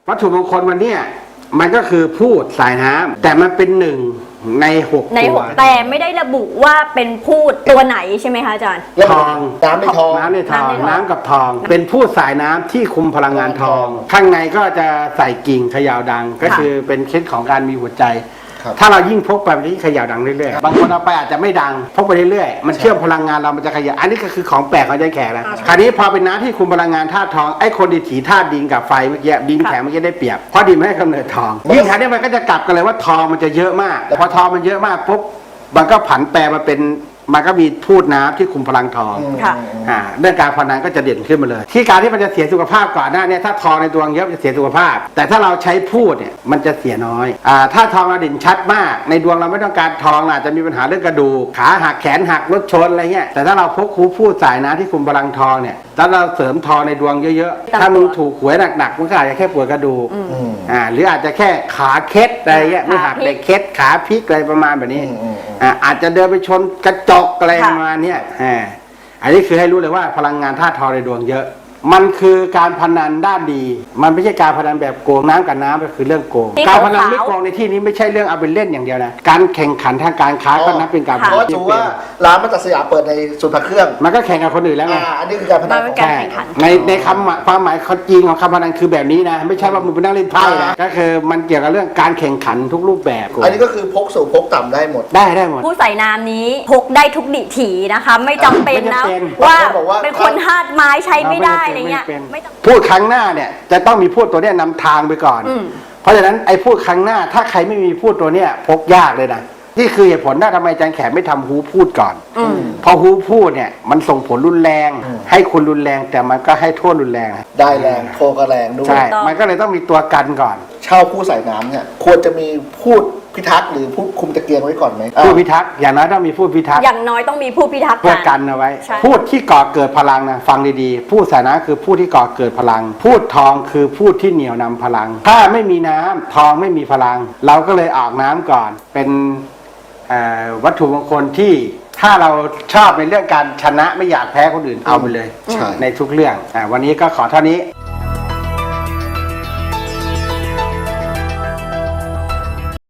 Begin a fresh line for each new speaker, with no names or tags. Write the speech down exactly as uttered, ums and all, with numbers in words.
วัตถุมงคลวันนี้มันก็คือพูดสายน้ำแต่มันเป็นหนึ่งในหกตัว
แต่ไม่ได้ระบุว่าเป็นพูดตัวไหนใช่ไหมคะอาจารย์
ทอง
น้ำในทอง
น้ำในทองน้ำกับทองเป็นพูดสายน้ำที่คุมพลังงานทอง ข้างในก็จะใส่กิ่งเขย่าดังก็คือเป็นเคล็ดของการมีหัวใจถ้าเรายิ่งพกไปมันจะยิ่งเขย่าดังเรื่อยๆบางคนเอาไปอาจจะไม่ดังพกไปเรื่อยๆมันเชื่อมพลังงานเรามันจะเขย่าอันนี้ก็คือของแปลกของใจแขกนะคราวนี้พอเป็นน้ำที่คุมพลังงานธาตุทองไอ้คนดิถีธาตุดินกับไฟเมื่อกี้ดินแข็งเมื่อกี้ได้เปรียบเพราะดินไม่ให้กำเนิดทองยิ่งคราวนี้มันก็จะกลับกันเลยว่าทองมันจะเยอะมากพอทองมันเยอะมากปุ๊บมันก็ผันแปรมาเป็นมันก็มีพูดน้ำที่คุมพลังทองอ่าเรื่องการพนันก็จะเด่นขึ้นมาเลยที่การที่มันจะเสียสุขภาพก่อนหน้านี้ถ้าทองในดวงเยอะจะเสียสุขภาพแต่ถ้าเราใช้พูดเนี่ยมันจะเสียน้อยอ่าถ้าทองเราเด่นชัดมากในดวงเราไม่ต้องการทองอาจจะมีปัญหาเรื่องกระดูกขาหักแขนหักรถชนอะไรเงี้ยแต่ถ้าเราพกคูพูดสายน้ำที่คุมพลังทองเนี่ยถ้าเราเสริมทองในดวงเยอะๆถ้ามึงถูกหวยหนักๆมันก็อาจจะแค่ปวดกระดูกอ่าหรืออาจจะแค่ขาเคล็ดอะไรเงี้ยไม่หักแต่เคล็ดขาพลิกอะไรประมาณแบบนี้อ่าอาจจะเดินไปชนกระจกอะไรประมาณนี้อ่าอันนี้คือให้รู้เลยว่าพลังงานธาตุทองในดวงเยอะมันคือการพนันด้านดีมันไม่ใช่การพนันแบบโกงน้ำกับน้ำก็คือเรื่องโกงการพนันไม่โกงในที่นี้ไม่ใช่เรื่องเอาไปเล่นอย่างเดียวนะการแข่งขันทางการค้าก็นับเป็นการพนัน
เพราะถือว่าร้านมัตตสยามเปิดในศูนย์พระเครื่อง
มันก็แข่งกับคนอื่นแล้วไง
อันนี้คือการพนัน
ใช่
ในในคำความหมายจริงของคำพนันคือแบบนี้นะไม่ใช่ว่ามึงไปนั่งเล่นไพ่นะก็คือมันเกี่ยวกับเรื่องการแข่งขันทุกรูปแบบ
อันนี้ก็คือพกสูงพกต่ำได้หมด
ได้ได้หมด
ผู้ใส่น้ำนี้พกได้ทุกดิถีนะคะไม่จำเป็นนะว่าเป็นคนธาตุไม้ใช้ไม่ได้อะไรเงี้ย
พูดครั้งหน้าเนี่ยจะต้องมีพูดตัวเนี้ยนำทางไปก่อนเพราะฉะนั้นไอ้พูดครั้งหน้าถ้าใครไม่มีพูดตัวเนี้ยพกยากเลยนะนี่คือเหตุผลว่าทำไมอาจารย์แขกไม่ทำฮูพูดก่อนพอฮูพูดเนี่ยมันส่งผลรุนแรงให้คุณรุนแรงแต่มันก็ให้โทษรุนแรง
ได้แรงโทก็แรงด้วย
ใช่มันก็เลยต้องมีตัวกันก่อน
เช่าผู้ใส่น้ำเนี่ยควรจะมีพูดพิทักษ์หรือผู้คุมตะเกียงไว้ก่อนไหม
ผู้พิทักษ์อย่างน้อยต้องมีผู้พิทักษ์
อย่างน้อยต้องมีผู้พิทักษ์
เพื่อกันเอาไว้พูดที่ก่อเกิดพลังนะฟังดีๆพูดสานะคือผู้ที่ก่อเกิดพลังพูดทองคือพูดที่เหนี่ยวนำพลังถ้าไม่มีน้ำทองไม่มีพลังเราก็เลยออกน้ำก่อนเป็นวัตถุมงคลที่ถ้าเราชอบในเรื่องการชนะไม่อยากแพ้คนอื่นเอาไปเลยในทุกเรื่องวันนี้ก็ขอเท่านี้